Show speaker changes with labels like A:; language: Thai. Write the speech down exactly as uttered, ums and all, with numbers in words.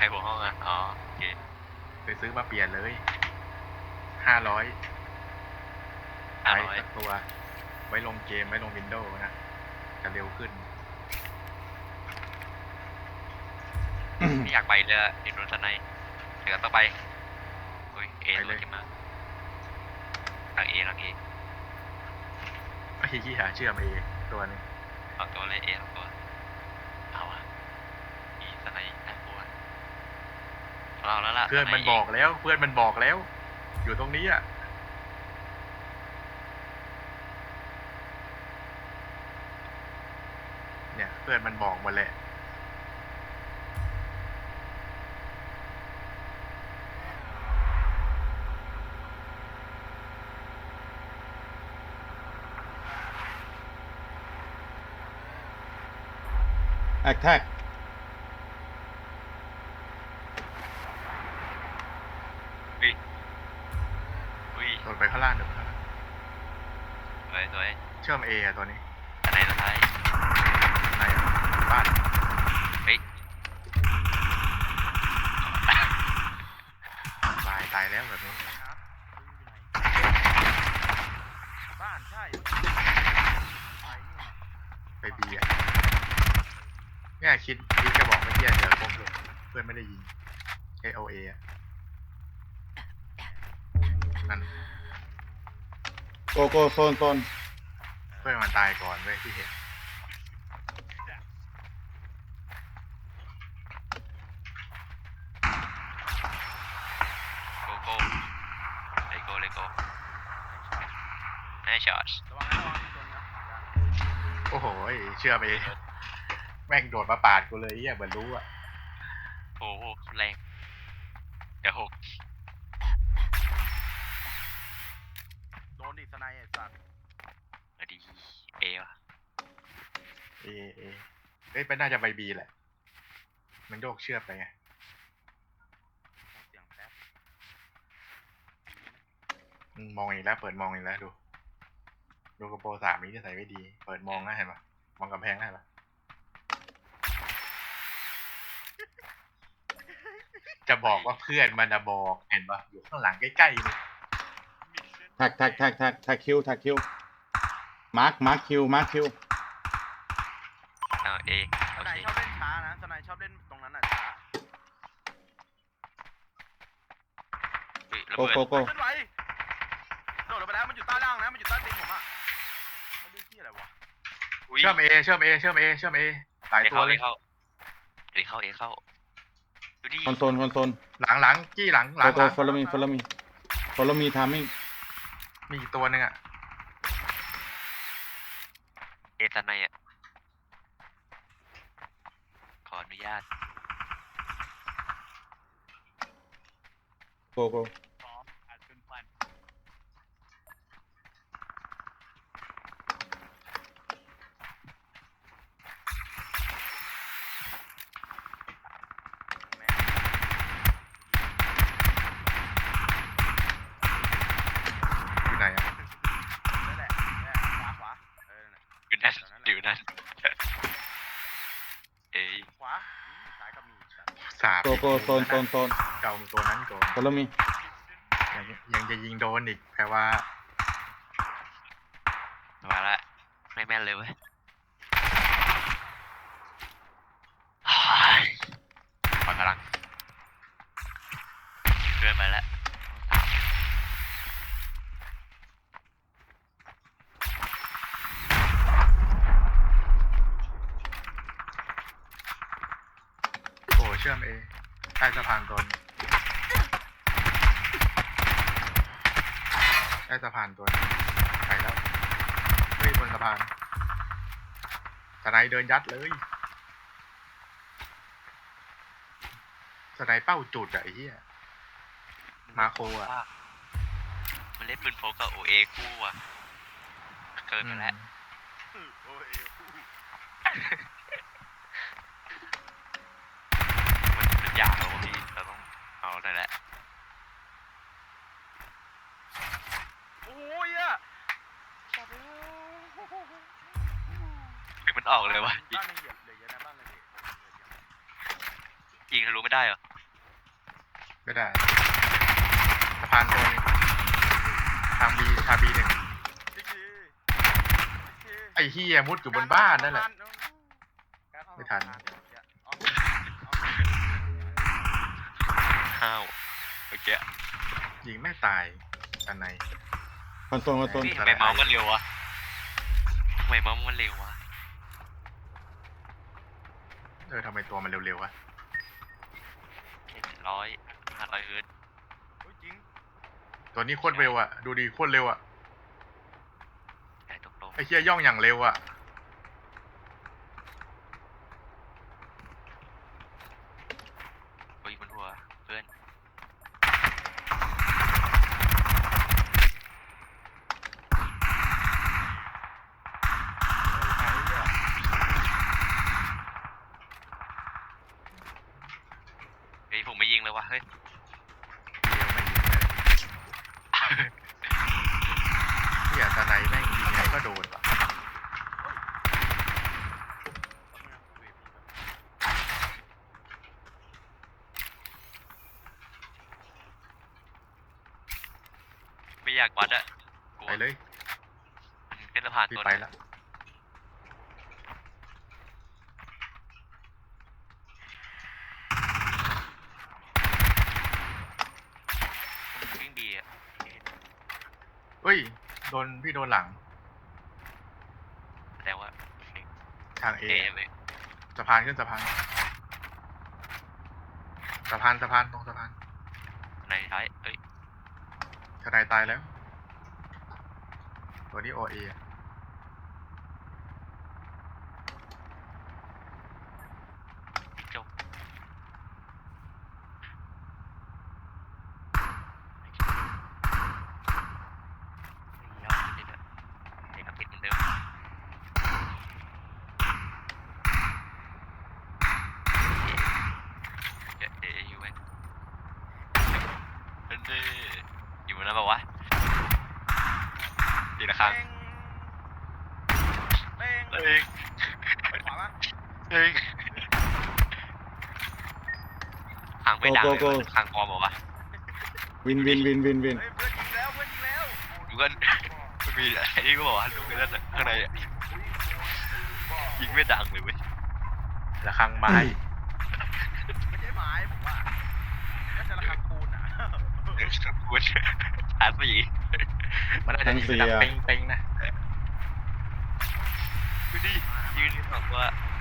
A: หัวห้องอ่ะอ๋อโอเค
B: ไปซื้อมาเปลี่ยนเลยห้าร้อย
A: ห้า
B: ใช้
A: ร้อย
B: สักตัวไว้ลงเกมไว้ลงวินโดว์นะจะเร็วขึ้น
A: ไม่อยากไปเลยอะดินโดนสไนเดี๋ยวต้องไปโอ้ยเอ
B: ไป
A: เล
B: เลย ย
A: จะมาหลังเอหลังเอ
B: ไอ้ที่หาเชื่อมเอตัวนึง
A: สองตัวเลยเอสองตัวเอาอะมีสไนน่ากลัวเราแล้วล่ะ
B: เพื่อนมัน
A: สไ
B: บอกแล้วเพื่อนมันบอกแล้ว อยู่ตรงนี้อ่ะเนี่ยเพื่อนมันบอกหมดแหละ
C: แอคแท็ก
A: อุ้ยอุ้ย
B: โดนไปข้างล่างเดี๋ยวข้างล่าง
A: สวยสวย
B: เชื่อมเออะตัวนี้
A: สไนสุดท้าย
B: ในบ้าน
A: เฮ้ย
B: ตายตายแล้วแบบนี้
D: บ้านใช่
B: ไปบีอ่ะเนี่ยคิดคิดจะบอกเมื่อกี้เจอครบเลยเพื่อนไม่ได้ยิงเอโอเอะนั่น
C: โกโก้โซนโซน
B: เพื่อนมันตายก่อนเว้ยที่เห็น
A: โกโก้เลโก้เลโก้แน่ช็อต
D: ระวังนะระวังตัวนี้นะ
B: โอ้โหเชื่อมเอแม่งโดดมาปาดกูเลยเหี้ยเหมือนรู้อ่ะ
A: โอ้โหแรงเดี๋ยวหก
D: โดนดิสไนไอ้สัตว์
A: มาดีเอวะ
B: เอเอเอ้ยเป็นน่าจะใบบีแหละมันโยกเชือกไปไง
D: เสียงแป๊บ
B: อืมมองอีกแล้วเปิดมองอีกแล้วดูดูกระโปรงสามนี้จะใส่ไว้ดีเปิดมองนะเห็นปะมองกำแพงได้ปะจะบอกว่าเพื่อนมันจะบอกเห็นปะอยู่ข้างหลังใกล้ๆเลย
C: แท็กแท็กแท็กแท็กแท็กคิวแท็กคิวมาร์คมาร์คคิวมาร์คคิว
A: เอาเอ
D: ส
A: โอ
D: ไน
A: เค
D: ชอบเล่นช้านะสไนชอบเล่นตรงนั้นอ่ะช้า
A: เฮ้ยระ
C: โก
A: เบิด
C: โกโก้
D: เคลื่อนไหวโดดลงไปแล้วมันอยู่ใต้ล่างนะมันอยู่ใต้ตีนผมอ่ะมันดูที่อะไรวะ
A: อุ้ย
B: เชื่อมเอเชื่อมเอเชื่อมเอเชื่อมเอหลาย
A: เอ
B: ตัว
A: เข้า
B: เล
A: เอย เข้าเอเข้าเอเข้าดูดิ
C: คอนโซลคอนโซล
B: หลังหลังจี้หลังหลั
C: โก
B: งห
C: โก้
B: ลัง
C: ฟอลโลมีฟอลโลมีฟอลโลมีทามมิ่ง
B: มีอีกตัวหนึ่งอ่ะ
A: เอสไนอ่ะขออนุญาต
C: โกโก้
B: อยู่ไหนอ่ะ
D: นั่นแหละนั่นแหละขวาขวาเออนั่นแหละ
A: อยู่นั่นอยู่นั่นเอ้ย
D: ขวาอืมซ้ายก็มีสัตว์
B: สาบ
C: โกโก้โซนโซนโซน
B: เก่าตัวนั้นก่อน
C: ฟอลโลมี
B: ยังยังจะยิงโดนอีกแปลว่า
A: มาละไม่แม่นเลยเว้ยปล่อยพลังเดินมาแล้วสาม
B: โอ้เชื่อมเอใต้สะพานตัวนึงใต้สะพานตัวนึงไปแล้วเฮ้ยบนสะพานสไนเดินยัดเลยสไนเป้าจุดอะไอ้เหี้ย มาโคอะ
A: มันเล่นปืนโฟกับโอเอคู่อ่ะเกินไปแล้ว
D: โอ้ย
A: มันเป็นยากเราพี่เราต้องเอาได้แล้ว
D: โอ้ยอ่ะสัตว์เอ้ย
A: มันออกเลยวะ
D: บ้านในเหยียบเลยเยอะนะบ้านในเหยียบ
A: ยิงทะลุไม่ได้เหรอ
B: ไม่ได้สะพานตัวหนึงทางบีทางบีหนึ่ง
D: อีกทีอีกที
B: ไอ้เฮียมุดอยู่บนบ้านนั่นแหละ
D: การเข้า
B: ไม่ทัน
D: สะพาเดี๋ยวเดี๋ยวเอา
A: ห้าวเมื่อกี้
B: ยิงไม่ตายอันไหน
C: คอนโซลคอนโซล
A: นี่ทำไมเมาส์มันเร็ววะทำไมเมาส์มันเร็ววะ
B: เออทำไมตัวมันเร็วๆวะ
A: ร้อยห้าร้อยเฮิร์ตซ์
D: เฮ้ยจริง
B: ตัวนี้โคตรเร็วอ่ะดูดีโคตรเร็วอ่ะ
A: ใหญ่ตรง
B: ไอ้เฮียย่องอย่างเร็วอ่ะ
A: ๆปุยบนหัวเพื่อนเฮ้ยผมไม่ยิงเลยวะเฮ้ย
B: เฮียตาไนแม่งยิงไงก็โดนว่ะ
A: ไม่อยากวัดอะกลัว
B: ไปเลย
A: มันเป็นสะพาน
B: พี่
A: ตัว
B: ไป
A: นึง
B: ละ
A: มันวิ่งดีอะ
B: เฮ้ยโดนพี่โดนหลัง
A: แต่ว่า
B: ทางเอ
A: เอเลย
B: สะพานขึ้นสะพานสะพานสะพานตรงสะพาน
A: ในท้ายเอ้ย
B: ทนายตายแล้ว ตัวนี้โอเอ
A: จบยอดจริงๆอะเด็กกับติดเหมือนเดิมเดี๋ยวเดี๋ยวอยู่ไหมเฮ้ยอยู่นะแบบวะดีละครั้ง
D: เป้ง
A: เฮ้
D: เป้
A: ย
D: งไปขวาปะ
A: เฮ้ยทางไม่ดังเลยว่ะทางปลอมบอกว่า
C: วินวินวินวินวิน
D: เฮ้ยเพื่อนยิงแล้วเพื่อนยิงแล้ว
A: ดูกันมันมีไอ้นี่ก็บอกว่าลูกในนั้นน่ะข้างในอะยิงไม่ดังเลยเว้ย
B: ระฆังไม้
D: ไม่ใช่ไม้ผมว่าน่าจะระฆังปูนอ่ะ
A: เออกูชาร์จสี
B: มันอาจจะยิงดังเป้งๆนะ
A: ดูดิยืนสองตัว